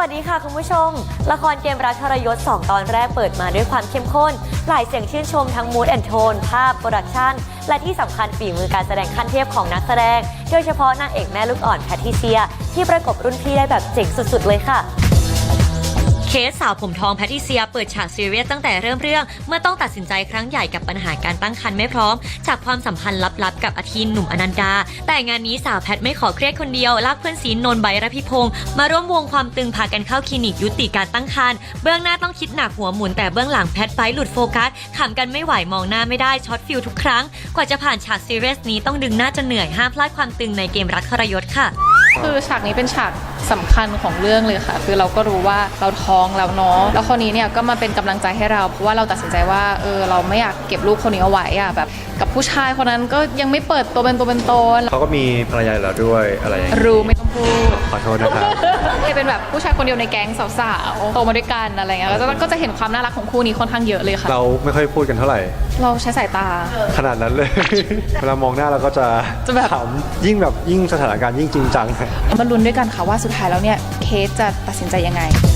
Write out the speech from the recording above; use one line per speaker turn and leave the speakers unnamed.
วัสดีค่ะคุณผู้ชมละครเกมรักทรยศ2ตอนแรกเปิดมาด้วยความเข้มข้นหลายเสียงชื่นชมทั้งมูดแอนโทนภาพโปรดักชันและที่สำคัญฝีมือการแสดงขั้นเทพของนักแสดงโดยเฉพาะนางเอกแม่ลูกอ่อนแพทริเซียที่ประกบรุ่นพี่ได้แบบเจ๋งสุดๆเลยค่ะเคสสาวผมทองแพทริเซียเปิดฉากซีเรียสตั้งแต่เริ่มเรื่องเมื่อต้องตัดสินใจครั้งใหญ่กับปัญหาการตั้งครรภ์ไม่พร้อมจากความสัมพันธ์ลับๆกับอาทินหนุ่มอนันดาแต่งานนี้สาวแพทไม่ขอเครียดคนเดียวลากเพื่อนซีนนท์ไบร์ทระพิพงศ์มาร่วมวงความตึงพากันเข้าคลินิกยุติการตั้งครรภ์เบื้องหน้าต้องคิดหนักหัวหมุนแต่เบื้องหลังแพทไบร์ทหลุดโฟกัสขำกันไม่ไหวมองหน้าไม่ได้ช็อตฟิลทุกครั้งกว่าจะผ่านฉากซีเรียสนี้ต้องดึงหน้าจนเหนื่อยห้ามพลาดความตึงในเกมรักทรยศค่ะ
คือฉากนี้เป็นฉากสำคัญของเรื่องเลยค่ะคือเราก็รู้ว่าเราท้องแล้วเนาะแล้วคนนี้เนี่ยก็มาเป็นกำลังใจให้เราเพราะว่าเราตัดสินใจว่าเราไม่อยากเก็บลูกคนนี้เอาไว้อะแบบกับผู้ชายคนนั้นก็ยังไม่เปิดตัวเป็นตัวเป็นตน
เขาก็มีภรรยาแล้วด้วยอะไรอย่างนี้
รู้ไม่ต้องพูด
ขอโทษนะครับ
เป็นแบบผู้ชายคนเดียวในแก๊งสาวๆโตมาด้วยกันอะไรเงี้ยก็จะเห็นความน่ารักของคู่นี้ค่อนข้างเยอะเลยค่ะ
เราไม่ค่อยพูดกันเท่าไหร่
เราใช้สายตา
ขนาดนั้นเลย เวลามองหน้าเราก็จะ
แบบ
ขำยิ่งสถานการณ์ยิ่งจริงจัง
มาลุ้นด้วยกันค่ะว่าสุดท้ายแล้วเนี่ยเคสจะตัดสินใจยังไง